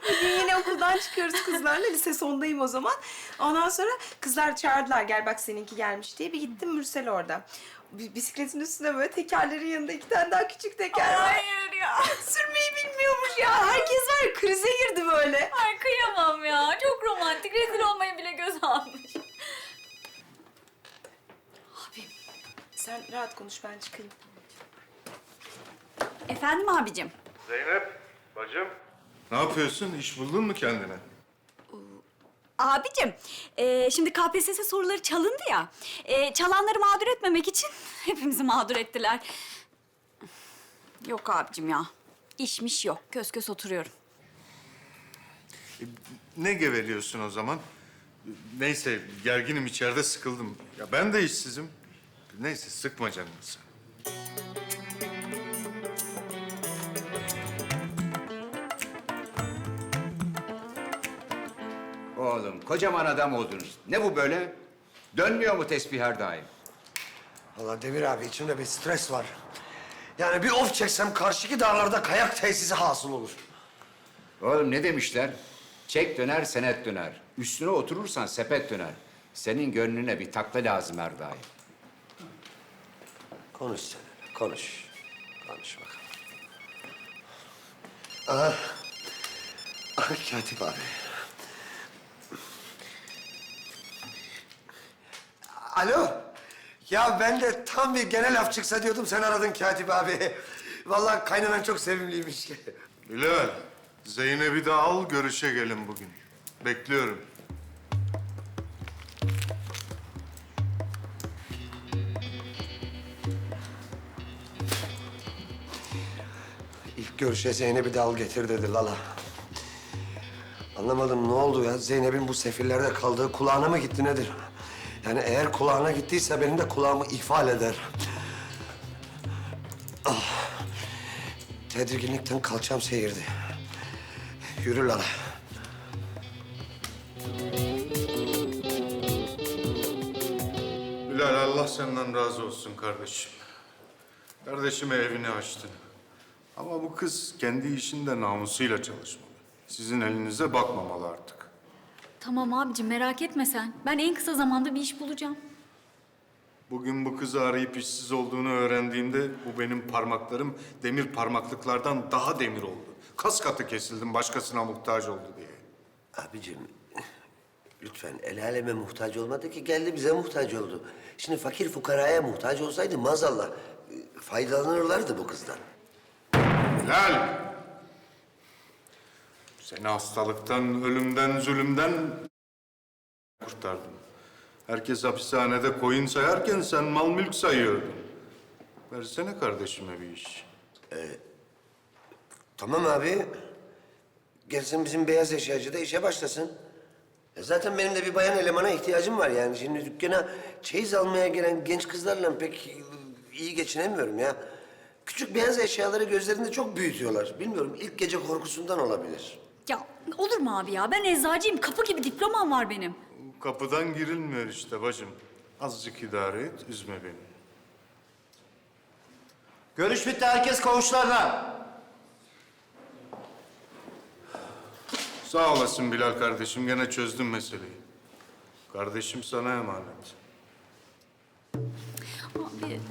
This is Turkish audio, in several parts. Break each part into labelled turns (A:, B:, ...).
A: Bugün yine okuldan çıkıyoruz kızlarla. Lise sondayım o zaman. Ondan sonra kızlar çağırdılar. Gel bak seninki gelmiş diye. Bir gittim Mürsel orada. Bisikletin üstünde böyle tekerlerin yanında 2 tane daha küçük teker var.
B: Hayır ya.
A: Sürmeyi bilmiyormuş ya. Herkes var ya krize girdi böyle.
B: Ay kıyamam ya. Çok romantik. Rezil olmayı bile göz almış. Abim.
A: Sen rahat konuş ben çıkayım.
B: Efendim abicim.
C: Zeynep, bacım. Ne yapıyorsun? İş buldun mu kendine?
B: Abicim, şimdi KPSS soruları çalındı ya. Çalanları mağdur etmemek için hepimizi mağdur ettiler. Yok abicim ya. İşmiş yok. Kös kös oturuyorum.
C: Ne geveliyorsun o zaman? Neyse, gerginim içeride sıkıldım. Ya ben de işsizim. Neyse, sıkma canını sen.
D: Oğlum kocaman adam oldunuz. Ne bu böyle? Dönmüyor mu tesbih her daim?
E: Vallahi Demir abi içimde bir stres var. Yani bir of çeksem karşıki dağlarda kayak tesisi hasıl olur.
D: Oğlum ne demişler? Çek döner, senet döner. Üstüne oturursan sepet döner. Senin gönlüne bir takla lazım her daim.
E: Konuş sen hele, konuş. Konuş bakalım. Aha. Aha Katip abi. Alo. Ya ben de tam bir genel laf çıksa diyordum sen aradın Katip abi. Vallahi kaynanan çok sevimliymiş.
C: Bilal, Zeynep'i de al, görüşe gelin bugün. Bekliyorum.
E: İlk görüşe Zeynep'i de al getir dedi Lala. Anlamadım ne oldu ya? Zeynep'in bu sefillerde kaldığı kulağına mı gitti nedir? Yani eğer kulağına gittiyse benim de kulağımı ihfal eder. Ah. Tedirginlikten kalçam seyirdi. Yürü Lala.
C: Bilal, Allah senden razı olsun kardeşim. Kardeşime evini açtı. Ama bu kız kendi işinde namusuyla çalışmalı. Sizin elinize bakmamalı artık.
B: Tamam abicim merak etme sen. Ben en kısa zamanda bir iş bulacağım.
C: Bugün bu kızı arayıp işsiz olduğunu öğrendiğimde bu benim parmaklarım demir parmaklıklardan daha demir oldu. Kas katı kesildim başkasına muhtaç oldu diye.
E: Abicim, lütfen el aleme muhtaç olmadı ki geldi bize muhtaç oldu. Şimdi fakir fukaraya muhtaç olsaydı maazallah faydalanırlardı bu kızdan.
C: Bilal! Seni hastalıktan, ölümden, zulümden kurtardım. Herkes hapishanede koyun sayarken sen mal mülk sayıyordun. Versene kardeşime bir iş.
E: Tamam abi. Gelsin bizim beyaz eşyacı da işe başlasın. Zaten benim de bir bayan elemana ihtiyacım var yani. Şimdi dükkana çeyiz almaya gelen genç kızlarla pek iyi geçinemiyorum ya. Küçük beyaz eşyaları gözlerinde çok büyütüyorlar. Bilmiyorum ilk gece korkusundan olabilir.
B: Ya olur mu abi ya? Ben eczacıyım. Kapı gibi diplomam var benim.
C: Kapıdan girilmiyor işte bacım. Azıcık idare et, üzme beni.
F: Görüş bitti, herkes koğuşlarına.
C: Sağ olasın Bilal kardeşim, gene çözdüm meseleyi. Kardeşim sana emanet.
B: Abi.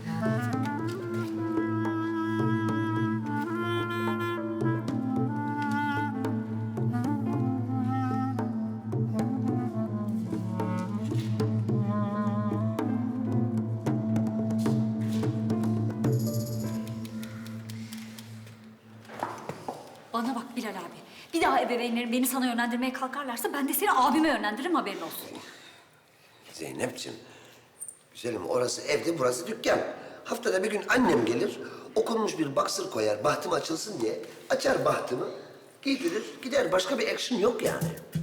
B: Bana bak Bilal abi. Bir daha ebeveynlerin beni sana yönlendirmeye kalkarlarsa ben de seni abime yönlendiririm haberin olsun.
E: Zeynep'ciğim, güzelim orası evde, burası dükkan. Haftada bir gün annem gelir, okunmuş bir boxer koyar, bahtım açılsın diye. Açar bahtımı, giydirir, gider. Başka bir action yok yani.